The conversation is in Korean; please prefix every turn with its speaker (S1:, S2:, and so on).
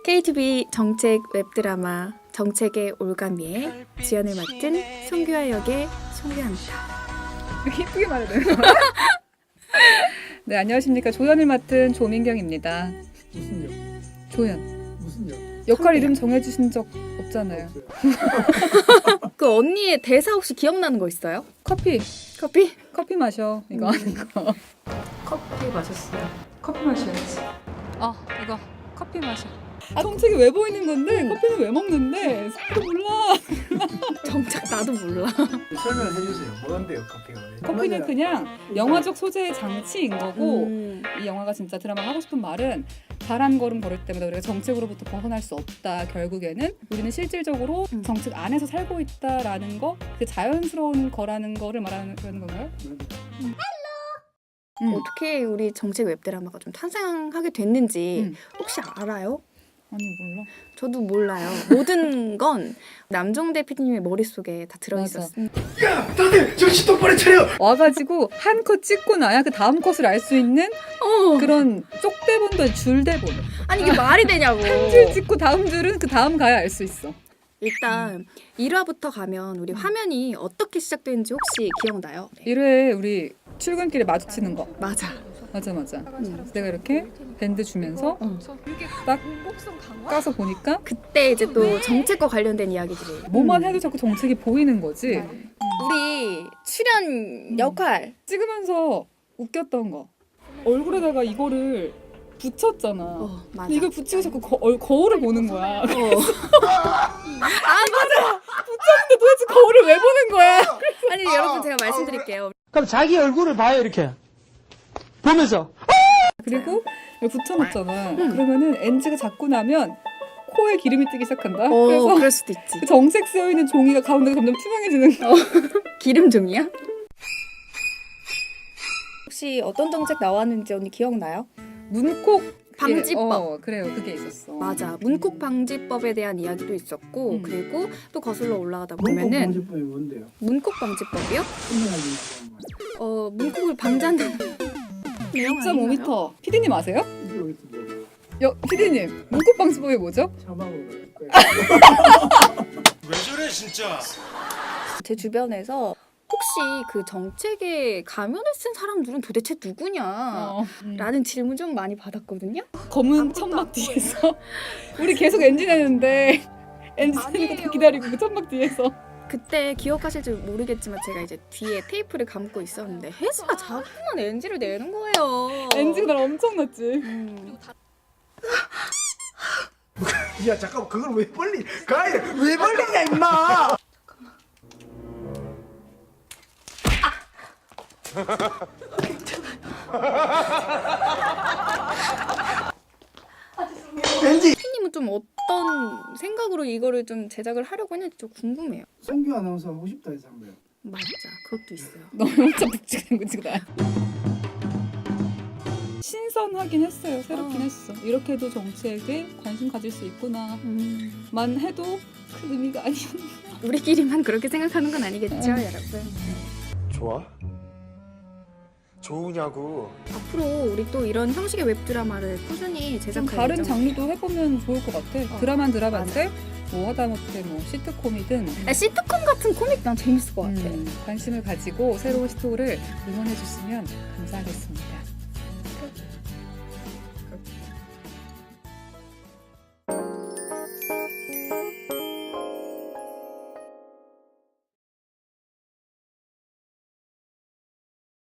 S1: KTV 정책 웹드라마 정책의 올가미에 주연을 맡은 송규하 역의 송규하입니다.
S2: 이렇게 예쁘게 말해야 되나? 네, 안녕하십니까. 조연을 맡은 조민경입니다.
S3: 무슨 역?
S2: 조연.
S3: 무슨 역?
S2: 역할 이름 정해주신 적 없잖아요.
S1: 그 언니의 대사 혹시 기억나는 거 있어요?
S2: 커피.
S1: 커피?
S2: 커피 마셔. 이거 하는 거.
S4: 커피 마셨어요.
S2: 커피 마셔야지. 이거 커피 마셔. 정책이 왜 보이는 건데 커피는 왜 먹는데 사람도 몰라.
S1: 정작 나도 몰라.
S3: 설명을 해주세요. 뭔데요, 커피가?
S2: 커피는 그냥 영화적 소재의 장치인 거고
S1: 음.
S2: 이 영화가 진짜 드라마가 하고 싶은 말은 발 한 걸음 걸을 때마다 우리가 정책으로부터 벗어날 수 없다. 결국에는 우리는 실질적으로 정책 안에서 살고 있다라는 거, 그 자연스러운 거라는 거를 말하는 건가요?
S1: 어떻게 우리 정책 웹드라마가 좀 탄생하게 됐는지 혹시 알아요?
S2: 아니 몰라.
S1: 저도 몰라요. 모든 건 남종대 PD님의 머릿속에 다 들어있었습니다.
S3: 야, 다들 정신 똑바로 차려!
S2: 와가지고 한 컷 찍고 나야 그 다음 컷을 알 수 있는 그런 쪽대본도 줄대본.
S1: 아니 이게 말이 되냐고.
S2: 한 줄 찍고 다음 줄은 그 다음 가야 알 수 있어.
S1: 일단 1화부터 가면 우리 화면이 어떻게 시작되는지 혹시 기억나요? 네.
S2: 1회 우리 출근길에 마주치는 거.
S1: 맞아.
S2: 맞아. 그래서 내가 이렇게 밴드 주면서 딱 까서 보니까
S1: 그때 이제 또 정책과 관련된 이야기들이
S2: 뭐만 해도 자꾸 정책이 보이는 거지.
S1: 우리 출연 역할
S2: 찍으면서 웃겼던 거. 얼굴에다가 이거를 붙였잖아.
S1: 맞아.
S2: 근데 이걸 붙이고 자꾸 거울을 보는 거야.
S1: 맞아.
S2: 근데 도대체 거울을 왜 보는 거야?
S1: 아니 여러분 제가 말씀드릴게요.
S5: 그럼 자기 얼굴을 봐요 이렇게 보면서.
S2: 그리고 이걸 붙여놨잖아. 그러면은 NG가 잡고 나면 코에 기름이 뜨기 시작한다. 그래서
S1: 그럴 수도 있지.
S2: 그 정색 쓰여 있는 종이가 가운데가 점점 투명해지는 거.
S1: 기름 종이야? 혹시 어떤 정책 나왔는지 언니 기억나요?
S2: 문콕
S1: 방지법.
S2: 그래요. 그게 있었어.
S1: 맞아. 문콕 방지법에 대한 이야기도 있었고 그리고 또 거슬러 올라가다 보면은
S3: 방지법이 뭔데요?
S1: 문콕 방지법이요?
S3: 설명하기
S1: 문콕을 방지한다는 내용 아닌가요?
S2: 2.5m. 피디님 아세요?
S3: 이게 어디서
S2: 피디님 문콕 방지법이 뭐죠?
S3: 사망으로 갈 거예요.
S6: 왜 저래 진짜?
S1: 제 주변에서 혹시 그 정책에 가면을 쓴 사람들은 도대체 누구냐? 라는 질문 좀 많이 받았거든요.
S2: 검은 천막 뒤에서 우리 계속 엔진 내는데 엔진 내는 거 다 기다리고 그 천막 뒤에서
S1: 그때 기억하실지 모르겠지만 제가 이제 뒤에 테이프를 감고 있었는데 혜수가 자꾸만 NG를 내는 거예요.
S2: 엔진가 날 엄청 났지.
S3: 야, 잠깐만, 그걸 왜 벌리? 가야 왜 벌리냐, 임마! 왠지
S1: 피님은 좀 어떤 생각으로 이거를 좀 제작을 하려고 했는지 좀 궁금해요.
S3: 송규 아나운서 하고 싶다 해서 한 거예요.
S1: 맞아, 그것도 있어요.
S2: 너무 엄청 묵직한 거지 나. 신선하긴 했어요. 새롭긴 했어. 이렇게도 정책에 관심 가질 수 있구나만 해도 큰 의미가 아니었나.
S1: 우리끼리만 그렇게 생각하는 건 아니겠죠, 여러분.
S6: 좋아? 좋으냐고.
S1: 앞으로 우리 또 이런 형식의 웹드라마를 꾸준히
S2: 좀
S1: 제작할
S2: 다른
S1: 예정.
S2: 장르도 해보면 좋을 것 같아. 드라마는 드라마인데 뭐 하다못해 뭐 시트콤이든
S1: 시트콤 같은 코믹 난 재밌을 것 같아.
S2: 관심을 가지고 새로운 시도를 응원해줬으면 감사하겠습니다.